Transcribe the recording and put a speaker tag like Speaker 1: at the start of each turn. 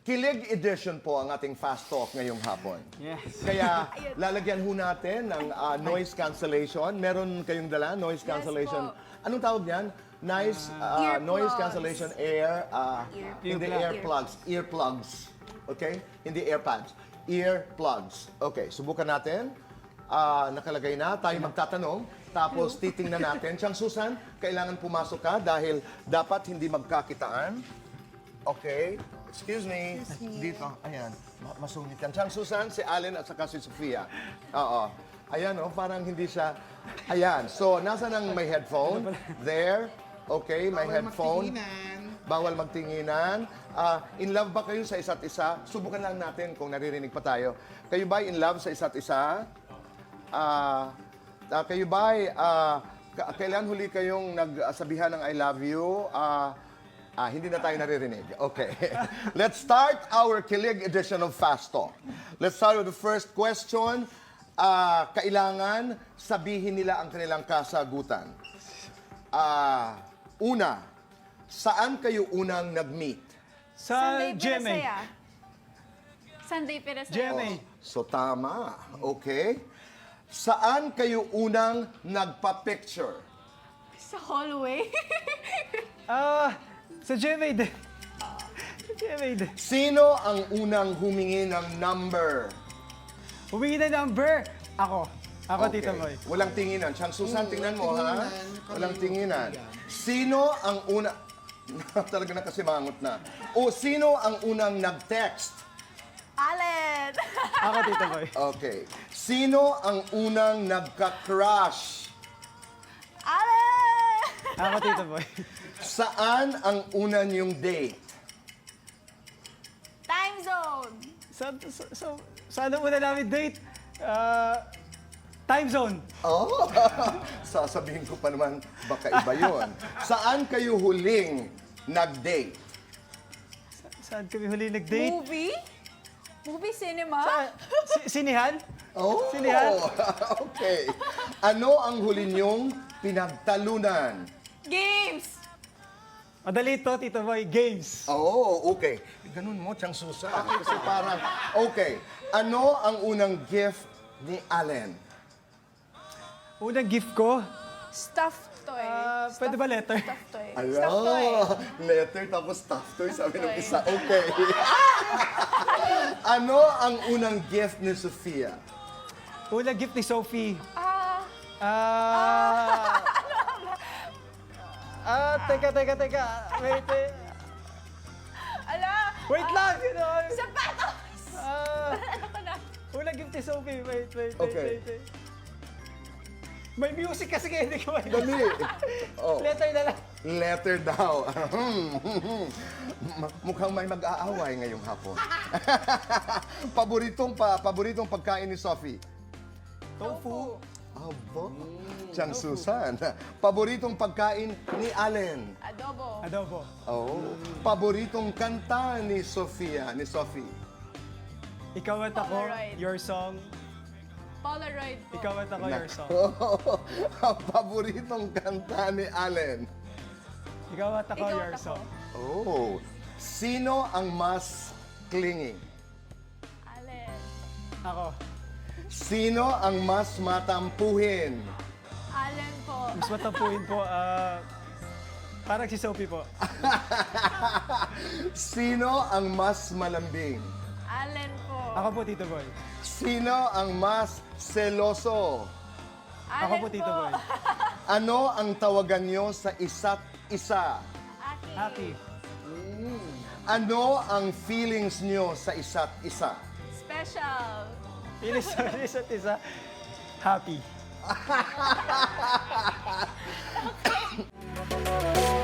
Speaker 1: Kilig edition po ang ating Fast Talk ngayong hapon.
Speaker 2: Yes.
Speaker 1: Kaya lalagyan ho natin ng noise cancellation. Meron kayong dala, noise cancellation.
Speaker 3: po.
Speaker 1: Anong tawag yan? Nice noise
Speaker 3: Earplugs.
Speaker 1: cancellation hindi earplugs. Earplugs. Okay? Hindi airpads. Earplugs. Okay, subukan natin. Nakalagay na. Tayo magtatanong. Tapos titingnan natin. Chang Susan, kailangan pumasok ka dahil dapat hindi magkakitaan. Okay. Excuse me. Dito. Ayan. Masungit yan. Chang Susan, si Allen at saka si Sofia. Oo. Ayan, oh, parang hindi siya... Ayan. So, nasa nang may headphone? There. Okay, may headphone. Bawal magtinginan. In love ba kayo sa isa't isa? Subukan lang natin kung naririnig pa tayo. Kayo ba in love sa isa't isa? Kayo ba kailan huli kayong nagsabihan ng I love you? Hindi na tayo naririnig. Okay. Let's start our Kilig edition of Fast Talk. Let's start with the first question. Kailangan sabihin nila ang kanilang kasagutan. Una, saan kayo unang nag-meet?
Speaker 2: Sa
Speaker 3: Sunday
Speaker 2: GMA.
Speaker 3: Perasaya. Sunday Perasaya.
Speaker 2: GMA.
Speaker 1: So tama. Okay. Saan kayo unang nagpa-picture?
Speaker 3: Sa hallway.
Speaker 2: Sa GMA din. Sa GMA din.
Speaker 1: Sino ang unang humingi ng number?
Speaker 2: Humingi na number. Ako. Ako,
Speaker 1: Okay.
Speaker 2: Tito Boy.
Speaker 1: Walang tinginan. Chang Susan, tingnan mo, ha? Walang tinginan. Sino ang una... Talaga na kasi mangot na. O, sino ang unang nag-text?
Speaker 3: Allen.
Speaker 2: Ako, Tito Boy.
Speaker 1: Okay. Sino ang unang nagka-crush?
Speaker 3: Allen.
Speaker 2: Ako, Tito Boy.
Speaker 1: Saan ang una niyong date?
Speaker 3: Time zone.
Speaker 2: Saan muna namin date? Time zone.
Speaker 1: Oh, sasabihin ko pa naman, baka iba yun. Saan kayo huling nag-date?
Speaker 2: Saan kami huli nag-date?
Speaker 3: Movie? Movie cinema?
Speaker 2: Sinihan?
Speaker 1: Oh,
Speaker 2: Sinihan?
Speaker 1: okay. Ano ang huli niyong pinagtalunan?
Speaker 3: Games.
Speaker 2: Madali to, Tito Boy. Games.
Speaker 1: Oh, okay. Ganun mo, Chang Susan. Kasi parang, okay. Ano ang unang gift ni Allen?
Speaker 2: Unang gift ko,
Speaker 3: Stuffed toy.
Speaker 2: pwede ba letter?
Speaker 3: Stuffed toy.
Speaker 1: Ala,
Speaker 3: Stuffed toy.
Speaker 1: letter tapos stuffed toy, sabi ng
Speaker 3: toy.
Speaker 1: isa. Okay. Ano ang unang gift ni Sofia?
Speaker 2: Unang gift ni Sophie. Teka. Wait.
Speaker 3: Ala.
Speaker 2: Wait lang!
Speaker 3: Sapatos. Ano ko na?
Speaker 2: Unang gift ni Sophie. Wait.
Speaker 1: Okay.
Speaker 2: May music kasi kaya hindi ko
Speaker 1: Dali. Oh.
Speaker 2: Letter na lang.
Speaker 1: Letter daw. Mukhang may mag-aaway ngayong hapon. paboritong pagkain ni Sophie?
Speaker 2: Tofu.
Speaker 1: Aba, Chang Susan. Paboritong pagkain ni Allen?
Speaker 3: Adobo.
Speaker 2: Adobo.
Speaker 1: Oh, paboritong kanta ni Sofia, ni Sophie?
Speaker 2: Ikaw at ako,
Speaker 3: Polaroid.
Speaker 2: your song.
Speaker 3: Polaroid po.
Speaker 2: Ikaw at ako, your song.
Speaker 1: Paboritong kanta ni Allen?
Speaker 2: Ikaw at ako,
Speaker 3: Ikaw
Speaker 2: your
Speaker 3: at ako.
Speaker 2: song.
Speaker 1: Oh, sino ang mas clingy?
Speaker 3: Allen.
Speaker 2: Ako.
Speaker 1: Sino ang mas matampuhin?
Speaker 3: Allen po.
Speaker 2: Mas matampuin po, parang si Sophie po.
Speaker 1: Sino ang mas malambing?
Speaker 3: Allen po.
Speaker 2: Ako po, Tito Boy.
Speaker 1: Sino ang mas seloso?
Speaker 2: Ako po,
Speaker 3: Allen
Speaker 2: Tito Boy.
Speaker 1: Ano ang tawagan nyo sa isa't isa?
Speaker 3: Aki.
Speaker 2: Happy.
Speaker 1: Ano ang feelings nyo sa isa't isa?
Speaker 3: Special.
Speaker 2: Isa't isa. Happy.